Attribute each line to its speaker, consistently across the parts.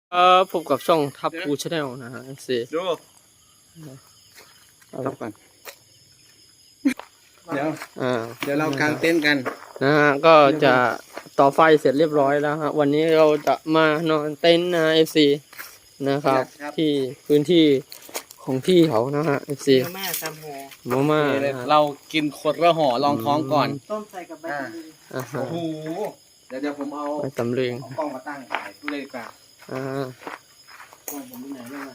Speaker 1: พบกับช่องทับพูชาแนลนะฮะสิ
Speaker 2: ดู
Speaker 1: ครับก่อน
Speaker 2: เดี๋ยวเรากางเต็นท์กัน
Speaker 1: นะฮะก็จะต่อไฟเสร็จเรียบร้อยแล้วฮะวันนี้เราจะมานอนเต็นท์นะFCนะครับที่พื้นที่ของพี่เขานะฮะFC
Speaker 3: มาม่าตำหัว
Speaker 1: มาม่า
Speaker 2: เรากินขวดละห่อลองท้องก่อน
Speaker 3: ต้มใส่กับใบตำลึง
Speaker 2: โอ้โหเดี๋ยวผมเอา
Speaker 1: ใบตำลึง
Speaker 2: กล้องมาตั้งถ่ายดูเลยดีกว่า
Speaker 1: ก
Speaker 2: ล้องผมอยู่ไหนเนี่ย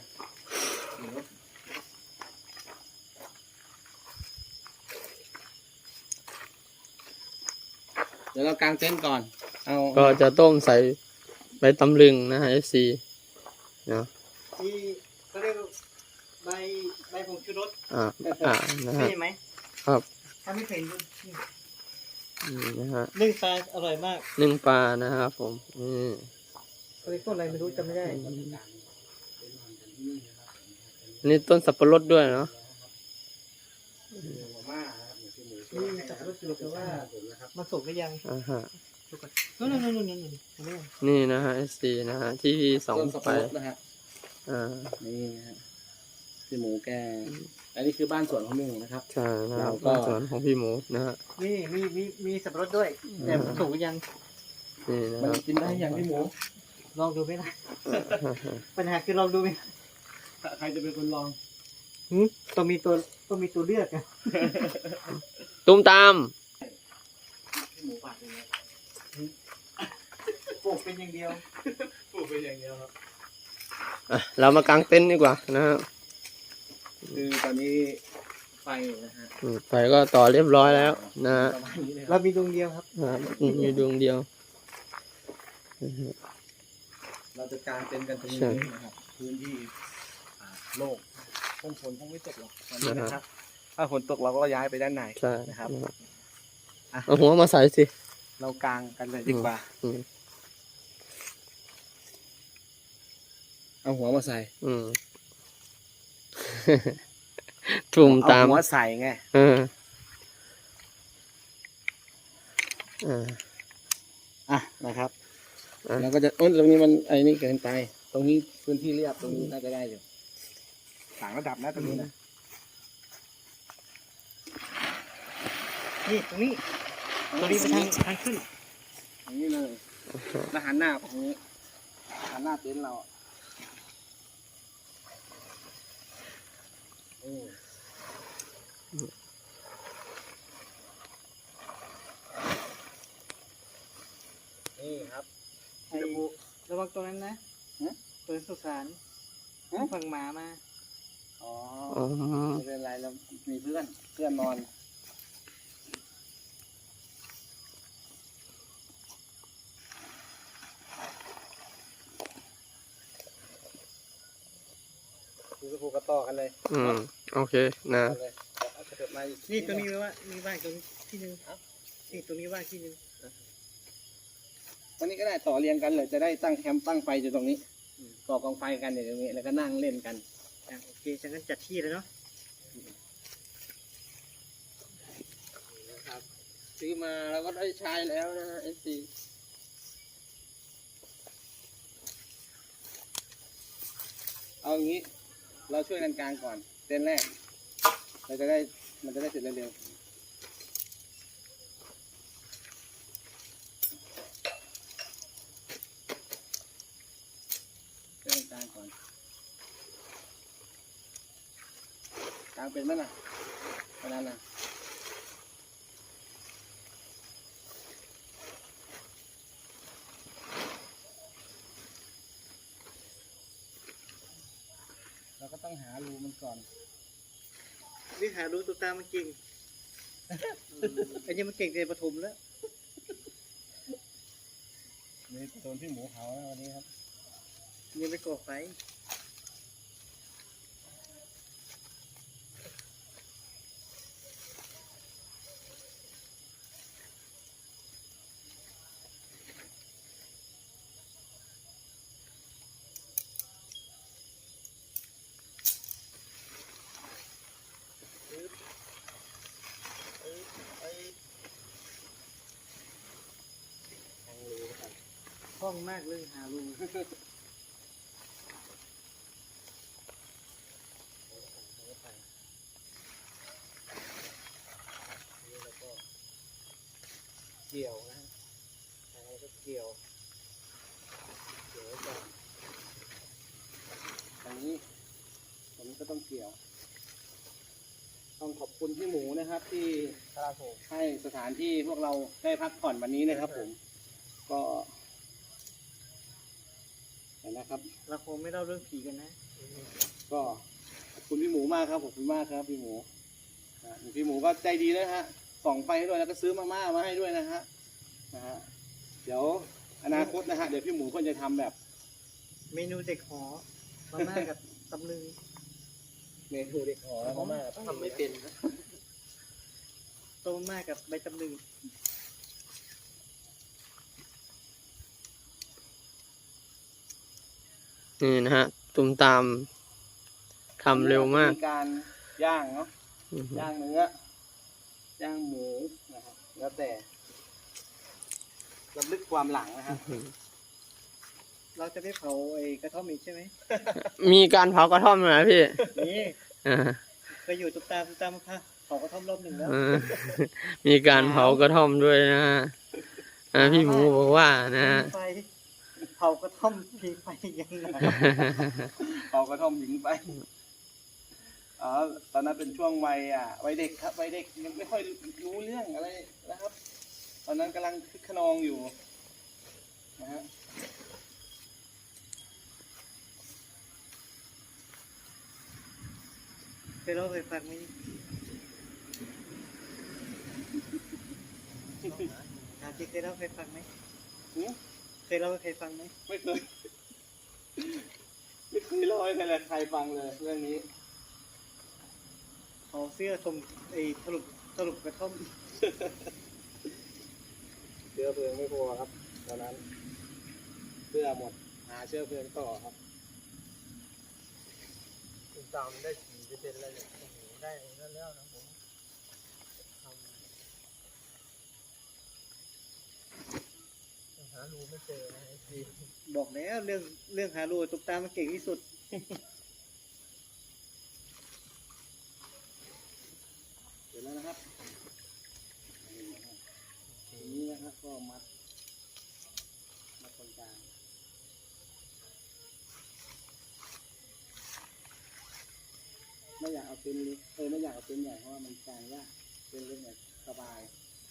Speaker 2: เดี๋ยวเรากางเต็นท์ก่อน
Speaker 1: ก็จะต้มใส่ใบตำลึงนะฮะ FC เนาะ
Speaker 3: ที่เขาเรียกใบผงชูรส
Speaker 1: นะฮะ
Speaker 3: ใช่ไหม
Speaker 1: ครับ
Speaker 3: ถ้าไม่เป็น
Speaker 1: นี่นะฮะ
Speaker 3: นึ่งปลาอร่อยมาก
Speaker 1: นึ่งปลานะครับผม
Speaker 3: เขาเรียกต้นอะไรไม่รู้จำไม่ได้
Speaker 1: นี่ต้นสับปะรดด้วยเนาะ
Speaker 3: นี่สับปะรดอยู่แต่ว่ามันสุกหรือยัง
Speaker 1: นี่นะฮะสีนะฮะที่สองไป
Speaker 2: นะฮะนี่นะฮะพี่หมูแกอันนี้คือบ้านสวนของพี่หมูนะครับ
Speaker 1: ใช่นะครับบ้านสวนของพี่หมูนะฮะ
Speaker 3: นี่มีสับปะรดด้วยแต่มันสุกหรือยัง
Speaker 1: นี่นะ
Speaker 2: มันกินได้ยังพี่หมู
Speaker 3: ลองดูไหมล่ะปัญหาคือลองดูไหม
Speaker 2: ใครจะเป็นคนลอง
Speaker 3: ต้องมีตัวเลือกอะ
Speaker 1: ตุ้มตาม
Speaker 2: หมูปาดเลย
Speaker 3: ปลูกเป็นอย่างเดียว
Speaker 1: ครับเรามากางเต็นท์ดีกว่านะครับ
Speaker 2: คือตอนนี้ไฟนะฮะ
Speaker 1: ไฟก็ต่อเรียบร้อยแล้วนะฮะ
Speaker 3: เรามีดวงเดียวครับ
Speaker 1: มีดวงเดียว
Speaker 2: เราจะกางเต็นท์กันตรงนี้นะครับพื้นที่โล่งฝนคงไม่ตกหรอกตอนนี้นะครับถ้าฝนตกเราก็ย้ายไปด้านในนะครับ
Speaker 1: เอาหัวมาใส่สิ
Speaker 2: เรากางกันเลยดีกว่าเอาหัวมาใส่
Speaker 1: ทุ่มตาม
Speaker 2: หัวใส่ไงนะครับแล้วก็จะตรงนี้มันไอ้นี่เกินไปตรงนี้พื้นที่เรียบตรงนี้น่าจะได้อยู่ต่างระดับนะตรงนี้นะ
Speaker 3: นี่ตรงนี้ไปทางขึ้น
Speaker 2: อย่างนี้เลยแล้วหันหน้าตรงนี้หันหน้าเต็นท์เรานี่ครับ
Speaker 3: ระวังตัวนั้นนะตัวสุสานฝั่งหมามา
Speaker 2: ไม่เป็นไรเรามีเพื่อนนอนผูกกระต่อกันเลย
Speaker 1: โอเคนะ
Speaker 3: นี่ตรงนี้ว่ามีบ้านตรงที่นึงนี่ตรงนี้ว่าที่นึง
Speaker 2: ตรงนี้ก็ได้ต่อเรียงกันเลยจะได้ตั้งแคมป์ตั้งไฟอยู่ตรงนี้ก่อกองไฟกันอย่างนี้แล้วก็นั่งเล่นกัน
Speaker 3: โอเคฉันก็จัดที่แล้วเนาะ
Speaker 1: นะครับซื้อมาแล้วก็ได้ใช้แล้วนะเอสซี
Speaker 2: เอาอย่างนี้เราช่วยกันกลางก่อนเต้นแรกมันจะได้เสร็จเร็วช่วยกันกลางก่อนกลางเป็นไหมล่ะขนาดนั้นเราก็ต้องหารูมันก่อน
Speaker 3: นี่หารูตัวตามันเก่งไอ้นี่มันเก่งในปฐมแล้ว
Speaker 2: นี่โดนพี่หมูเผาแล้ววันนี้ครับ
Speaker 3: ยังไม่ก่อไฟคล่องมากเลยหารูกี่ยวนะแล้วก็เกี่ยวไว้ก่อน
Speaker 2: อันนี้ผมก็ต้องเกี่ยว ต้องขอบคุณพี่หมูนะครับ ที่
Speaker 3: ครับผม
Speaker 2: ให้สถานที่พวกเราได้พักผ่อนวันนี้นะครับ ผม ก็เห็นนะครับ
Speaker 3: เราคงไม่เล่าเรื่องผีกันนะ
Speaker 2: ก็ขอบคุณพี่หมูมากครับขอบคุณมากครับพี่หมูพี่หมูก็ใจดีนะฮะส่องไฟให้ด้วยแล้วก็ซื้อมาม่ามาให้ด้วยนะฮะเดี๋ยวอนาคตนะฮะเดี๋ยวพี่หมูก็จะทำแบบ
Speaker 3: เมนูเด็กหอมาม่ากับตำลึง
Speaker 2: เมนูเด็กหอมาม่า
Speaker 1: ทำไม่เป็นนะ
Speaker 3: ต้มมาม่ากับใบตำลึง
Speaker 1: นี่นะฮะตุมตามทำเร็วมาก
Speaker 2: การย่างเนาะ
Speaker 1: อือฮึ
Speaker 2: ย่างเนื้อย่างหมูนะครับแล้วแต่รำลึกความหลังนะครับ
Speaker 3: เราจะไม่เผาไอ้กระท่อมอีกใช่ไหม
Speaker 1: มีการเผากระท่อมไหมพี่
Speaker 3: นี่
Speaker 1: อ่า
Speaker 3: เคยอยู่ตุ๊กตาค่ะเผากระท่อมรอบหนึ่งแล้ว
Speaker 1: เออมีการเผากระท่อมด้วยนะฮะพี่หมูบอกว่านะฮะ
Speaker 3: ไฟเผากระท่อมพีไฟยังไง
Speaker 2: เอากระท่อมหญิงไปตอนนั้นเป็นช่วงวัยเด็กครับวัยเด็กยังไม่ค่อยรู้เรื่องอะไรนะครับ ตอนนั้นกำลังคึกขนองอยู่นะฮะ
Speaker 3: เคยเล่าเคยฟังไหมถามจริงเคยเล่าเคยฟังไหม
Speaker 2: หือ
Speaker 3: เคยเล่าเคยฟังไหม
Speaker 2: ไม่เคย ไม่เคยเล่าให้ใครฟังเลยเรื่องนี้
Speaker 3: เอาเสื้อชมไอ้สรุปกระท่อม
Speaker 2: เชื้อเพลิงไม่พอครับตอนนั้นเสื้อหมดหาเชื้อเพลิงต่อครับ
Speaker 1: ตุมตามได้4%แล้วเนี่ยโอ้โหได้แล้วนะผมหารูไม่เจอนะพี่
Speaker 3: บอกแล้วเรื่องหารูตุ๊กตามันเก่งที่สุด
Speaker 2: เสร็จแล้วนะครับทีนี้นะครับก็มัดตรงกลางไม่อยากเอาเป็นเล็กไม่อยากเอาเป็นใหญ่เพราะว่ามันกลางยากเป็นเล็กเนี่ยสบาย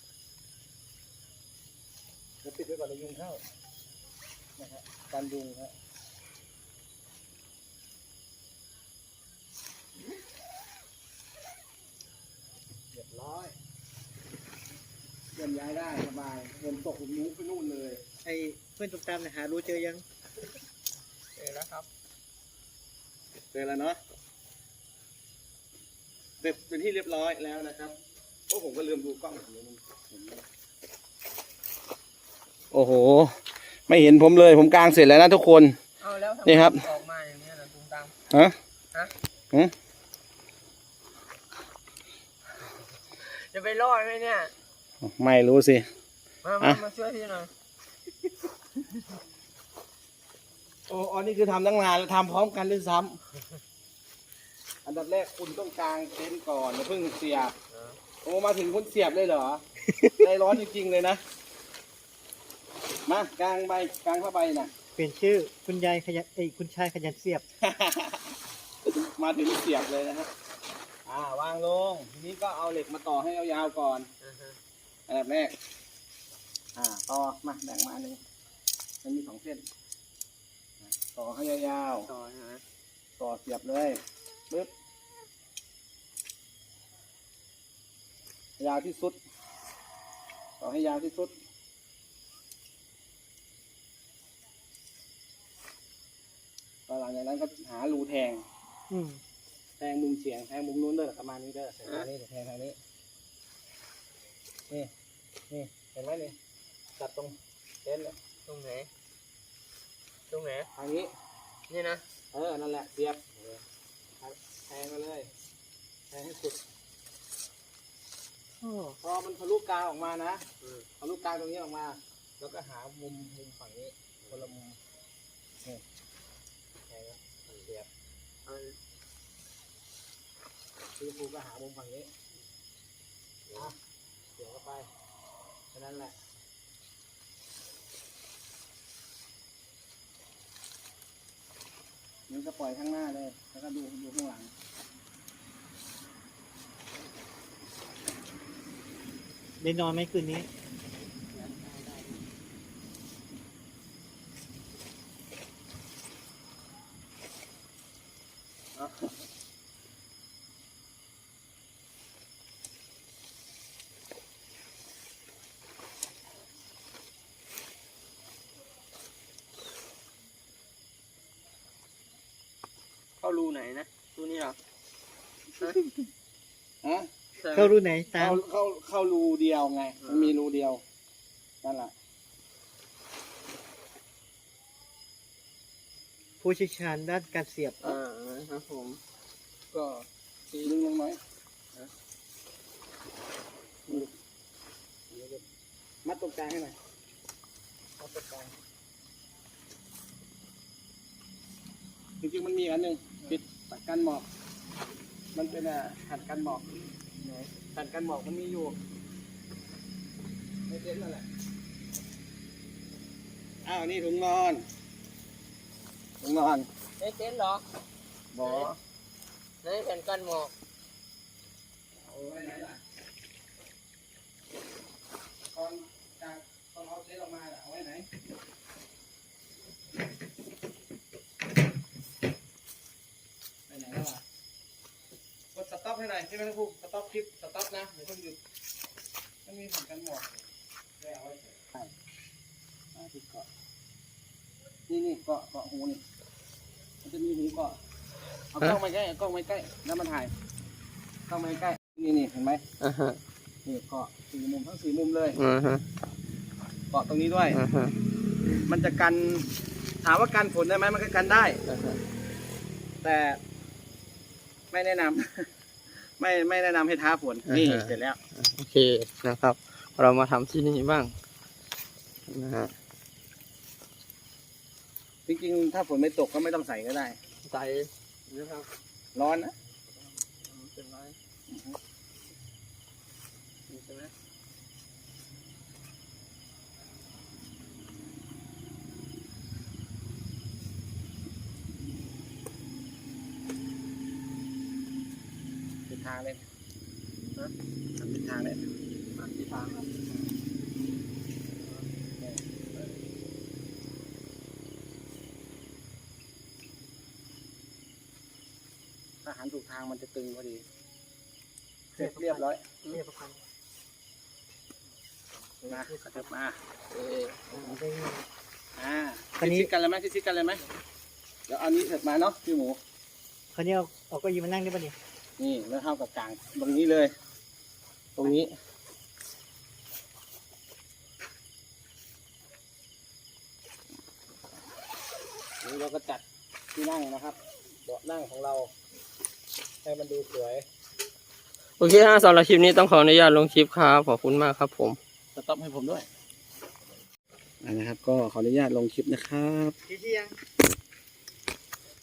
Speaker 2: แล้วปิดไว้ก่อนเลยยุงเข้านะครับการยุงครับเรียบร้อยเดินย้ายได้สบายฝนตกผมมุ้งไปนู่นเลย
Speaker 3: ไอ้เพื่อนตุ๊กตาเนี่ยหารูเจอยัง
Speaker 1: เจอแล้วครับ
Speaker 2: เจอแล้วเนาะเสร็จเป็นที่เรียบร้อยแล้วนะครับโอ้ผมก็ลืมดูกล้องผมโอ้โหไม่เห็นผมเลยผมกางเสร็จแล้วนะทุกคน
Speaker 1: เอาแล้วทำไม
Speaker 2: นี่ครับ
Speaker 1: ออกมาอย่างนี้นะตุมตาม
Speaker 2: ฮะ
Speaker 1: ฮะ
Speaker 2: ฮะ
Speaker 1: จะไปรอดไหมเนี่ย
Speaker 2: ไม่รู้สิ
Speaker 1: มาช่วยพี่หน่อย
Speaker 2: โอ้อันนี้คือทำตั้งนานแล้วทำพร้อมกันด้วยซ้ำอันดับแรกคุณต้องกางเต็นท์ก่อนแล้วเพิ่งเสียบโอ้มาถึงคุณเสียบเลยเหรอ ใจร้อนจริงๆเลยนะมากางผ้าใบน่ะ
Speaker 3: เปลี่ยนชื่อคุณยายขยันคุณชายขยันเสียบ
Speaker 2: มาถึงเสียบเลยนะฮะวางลงทีนี้ก็เอาเหล็กมาต่อให้ยาวๆก่อนอันดับแรกต่อมาแบ่งมาหนึ่งมันมี2 เส้นต่อให้ยาว
Speaker 1: ต่อใช่ไหม
Speaker 2: ๆต่อเสียบเลยปึ๊บยาวที่สุดต่อให้ยาวที่สุดตอนหลังจากนั้นก็หารูแทง แทงมุมเฉียงแทงมุมนู้นเด้อประมาณนี้เด้อประมาณนี้แทงทางนี้นี่เห็นไหมนี่จับตรงเส้นเลย
Speaker 1: ตรงไหนตรงไหน
Speaker 2: ทางนี้
Speaker 1: นี่นะ
Speaker 2: นั่นแหละเสียบแทงมาเลยแทงให้สุดพอมันทะลุกลางออกมานะทะลุกลางตรงนี้ออกมา แล้วก็หามุมฝั่งนี้คนละมุมนี่แทงเสียบคือครูก็หามุมฝั่งนี้เสียบเข้าไปแค่นั้นแหละนี่ก็ปล่อยข้างหน้าเลยแล้วก็ดูข้างหลัง
Speaker 3: ได้นอนไหมคืนนี้
Speaker 1: เข้ารูไหนนะรูนี้เหรอ
Speaker 2: ฮะ
Speaker 3: เข้ารูไหนตาม
Speaker 2: เข้ารูเดียวไงมันมีรูเดียวนั่นแหละ
Speaker 3: ผู้เชี่ยวชาญด้านการเสียบ
Speaker 1: นะครับผมก็
Speaker 2: ดึงลงไหมมัดตรงกลางให้หน่อยมัดตรงกลางจริงๆมันมีอันหนึ่งปิดตัดกันหมอกมันเป็นหัดกันหมอกหัดกันหมอกมันมีอยู่ไม่เต็มนั่นแหละอ้าวนี่ถุงนอนถุงนอน
Speaker 1: ได้เต็นท์เหรอ
Speaker 2: บ่อ
Speaker 1: ในแผ่นกันหมอก
Speaker 2: เอาไว้ไหนล่ะตอนเอาเทสออกมาเอาไว้ไหนไปไหนแล้วอ่ะกดสต็อปให้หน่อยใช่ไหมครับครูสต็อปคลิปสต็อปนะเดี๋ยวเพิ่งหยุดมันมีผลกันหมดได้เอาไว้เฉยใช่ที่เกาะนี่เกาะหูนี่มันจะมีหูเกาะเอากล้องมาใกล้เอากล้องมาใกล้แล้วมันถ่ายกล้องมาใกล้นี่เห็นไหม
Speaker 1: อ่าฮะ
Speaker 2: นี่เกาะสี่มุมทั้งสี่มุมเลย
Speaker 1: อ่าฮะ
Speaker 2: เกาะตรงนี้ด้วย
Speaker 1: อ่าฮะ
Speaker 2: มันจะกันถามว่ากันฝนได้ไหมมันก็กันได้
Speaker 1: อ่าฮะ
Speaker 2: แต่ไม่แนะนำ ไม่แนะนำให้ท้าฝนนี่เสร็จแล้ว
Speaker 1: โอเคนะครับ เรามาทำที่นี่บ้างนะฮะ
Speaker 2: จริงๆถ้าฝนไม่ตกก็ไม่ต้องใส่ก็ได้
Speaker 1: ใส่นะครับ
Speaker 2: ร้อนนะ
Speaker 1: เป็นไรนี่ใช่ไหม
Speaker 2: ทิศทางเลยนะทิศทางเลย
Speaker 1: มาที่ทางครับ
Speaker 2: ถ้าหันถูกทางมันจะตึงพอดีเสร็จเรียบร้อย
Speaker 3: เรียบพัน
Speaker 2: มากระเถิบมา
Speaker 3: ได้เงิน
Speaker 2: ชิดกันเลยไหมชิดกันเลยไหมเดี๋ยวเอานี้เถิดมาเนาะพี่หมู
Speaker 3: คราวนี้เอาเก็ยืนมานั่งได้ปะเนี่ย
Speaker 2: นี่แล้วเท่ากับกลางตรงนี้เลย ตรงนี้นี่เราก็จัดที่นั่งนะครับเบาะนั่งของเราให้มันดูสวย
Speaker 1: โอเคฮะสำหรับคลิปนี้ต้องขออนุญาตลงคลิปครับขอบคุณมากครับผม
Speaker 2: สต็อปให้ผมด้วยนะครับก็ขออนุญาตลงคลิปนะครับ
Speaker 3: ที่ยัง